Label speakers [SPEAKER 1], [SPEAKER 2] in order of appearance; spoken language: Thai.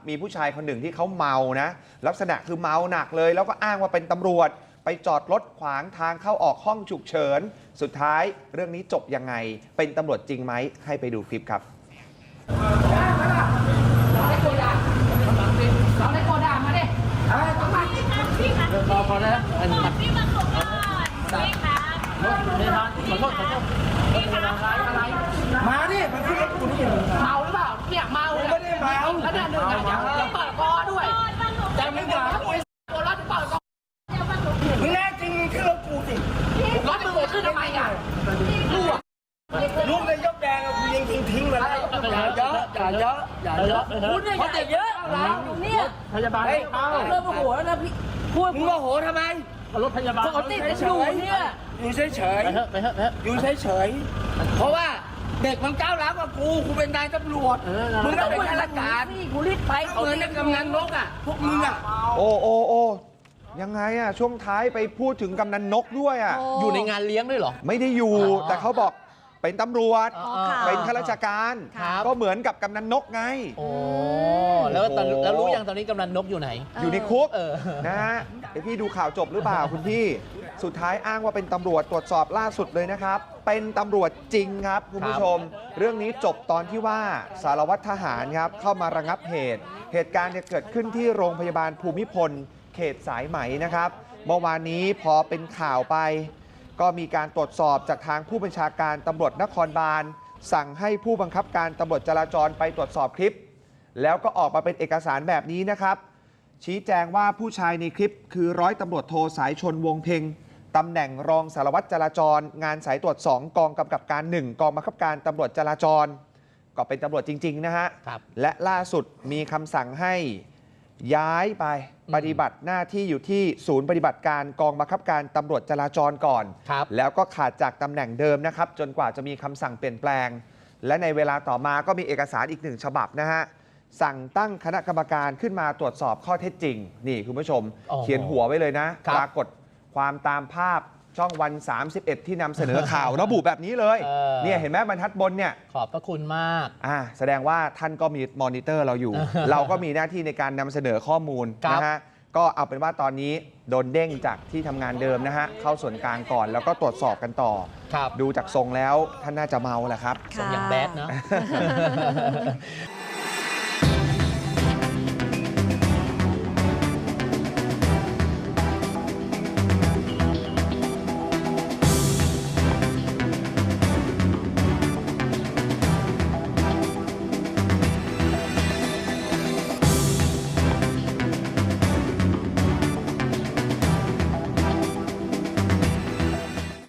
[SPEAKER 1] มีผู้ชายคนหนึ่งที่เขาเมานะลักษณะคือเมาหนักเลยแล้วก็อ้างว่าเป็นตำรวจไปจอดรถขวางทางเข้าออกห้องฉุกเฉินสุดท้ายเรื่องนี้จบยังไงเป็นตำรวจจริงไหมให้ไปดูคลิปครับ
[SPEAKER 2] พอแล้วพี่มาขอโทษพี่คะไม่ทันขอโทษพี่คะอะไร
[SPEAKER 3] มาดิมันขึ้นรถกูนี่
[SPEAKER 4] เมาหรือเปล่าเนี่ยเมาไม่ได้เมาแล้วเนี่ยหนึ่งอย่าเปิดคอด้วยแต่ไม่เมาตัวรถเปิดคอ
[SPEAKER 3] มึงแน่จริงขึ้นรถกูสิ
[SPEAKER 4] รถมึงขึ้นทำไมอ่ะ
[SPEAKER 3] ลูกนายกแดงกูยังทิ้งมาแล้วอย่าเยอะ
[SPEAKER 4] คุณเนี่ยอย่าเยอะแล้วเนี่ย
[SPEAKER 2] พยาบาล
[SPEAKER 4] เริ่มโมโหแล้วนะพี่พูด
[SPEAKER 3] มึงโมโหทำไม
[SPEAKER 2] รถพยาบาล
[SPEAKER 4] ปกติจะอยู่เนี่ย
[SPEAKER 3] อยู่เฉยอยู่เฉยเพราะว่าเด็กมันก้าวร้าวกว่ากูเป็นนายตำรวจมึงก็เป็นข้าราชการ
[SPEAKER 4] กูรีบไป
[SPEAKER 3] เหมือนกำนันนกอ่ะพวกมึงอ่ะ
[SPEAKER 1] โอ้ยังไงอ่ะช่วงท้ายไปพูดถึงกำนันนกด้วยอ่ะ
[SPEAKER 2] อยู่ในงานเลี้ยงด้วยเหรอ
[SPEAKER 1] ไม่ได้อยู่แต่เขาบอกเป็นตำรวจเป็นข้าราชการก็เหมือนกับกำนันนกไง
[SPEAKER 2] โอ้แล้วรู้ยังตอนนี้กำนันนกอยู่ไหน
[SPEAKER 1] อยู่ในคุกนะฮะพี่ดูข่าวจบหรือเปล่าคุณพี่สุดท้ายอ้างว่าเป็นตำรวจตรวจสอบล่าสุดเลยนะครับเป็นตำรวจจริงครับคุณผู้ชมเรื่องนี้จบตอนที่ว่าสารวัตรทหารครับเข้ามาระงับเหตุการณ์เกิดขึ้นที่โรงพยาบาลภูมิพลเขตสายไหมนะครับเมื่อวานนี้พอเป็นข่าวไปก็มีการตรวจสอบจากทางผู้บัญชาการตำรวจนครบาลสั่งให้ผู้บังคับการตำรวจจราจรไปตรวจสอบคลิปแล้วก็ออกมาเป็นเอกสารแบบนี้นะครับชี้แจงว่าผู้ชายในคลิปคือร้อยตำรวจโทสายชนวงเพ็งตำแหน่งรองสารวัตรจราจรงานสายตรวจ2กองกำกับการ1กองบังคับการตำรวจจราจรก็เป็นตำรวจจริงๆนะฮะและล่าสุดมีคำสั่งให้ย้ายไปปฏิบัติหน้าที่อยู่ที่ศูนย์ปฏิบัติการกองบังคับการตำรวจจราจรก่อนแล้วก็ขาดจากตำแหน่งเดิมนะครับจนกว่าจะมีคำสั่งเปลี่ยนแปลงและในเวลาต่อมาก็มีเอกสารอีก1ฉบับนะฮะสั่งตั้งคณะกรรมการขึ้นมาตรวจสอบข้อเท็จจริงนี่คุณผู้ชมเขียนหัวไว้เลยนะปรากฏความตามภาพช่องวัน31ที่นำเสนอข่าวระบุแบบนี้เลยเนี่ยเห็นไหมบรรทัดบนเนี่ย
[SPEAKER 2] ขอบพระคุณมาก
[SPEAKER 1] แสดงว่าท่านก็มีมอนิเตอร์เราอยู่ เราก็มีหน้าที่ในการนำเสนอข้อมูลนะฮะก็เอาเป็นว่าตอนนี้โดนเด้งจากที่ทำงานเดิมนะฮะเข้าส่วนกลางก่อนแล้วก็ตรวจสอบกันต่อดูจากทรงแล้วท่านน่าจะเมาแหละครับ
[SPEAKER 2] ทรงอย่างแบดเนาะ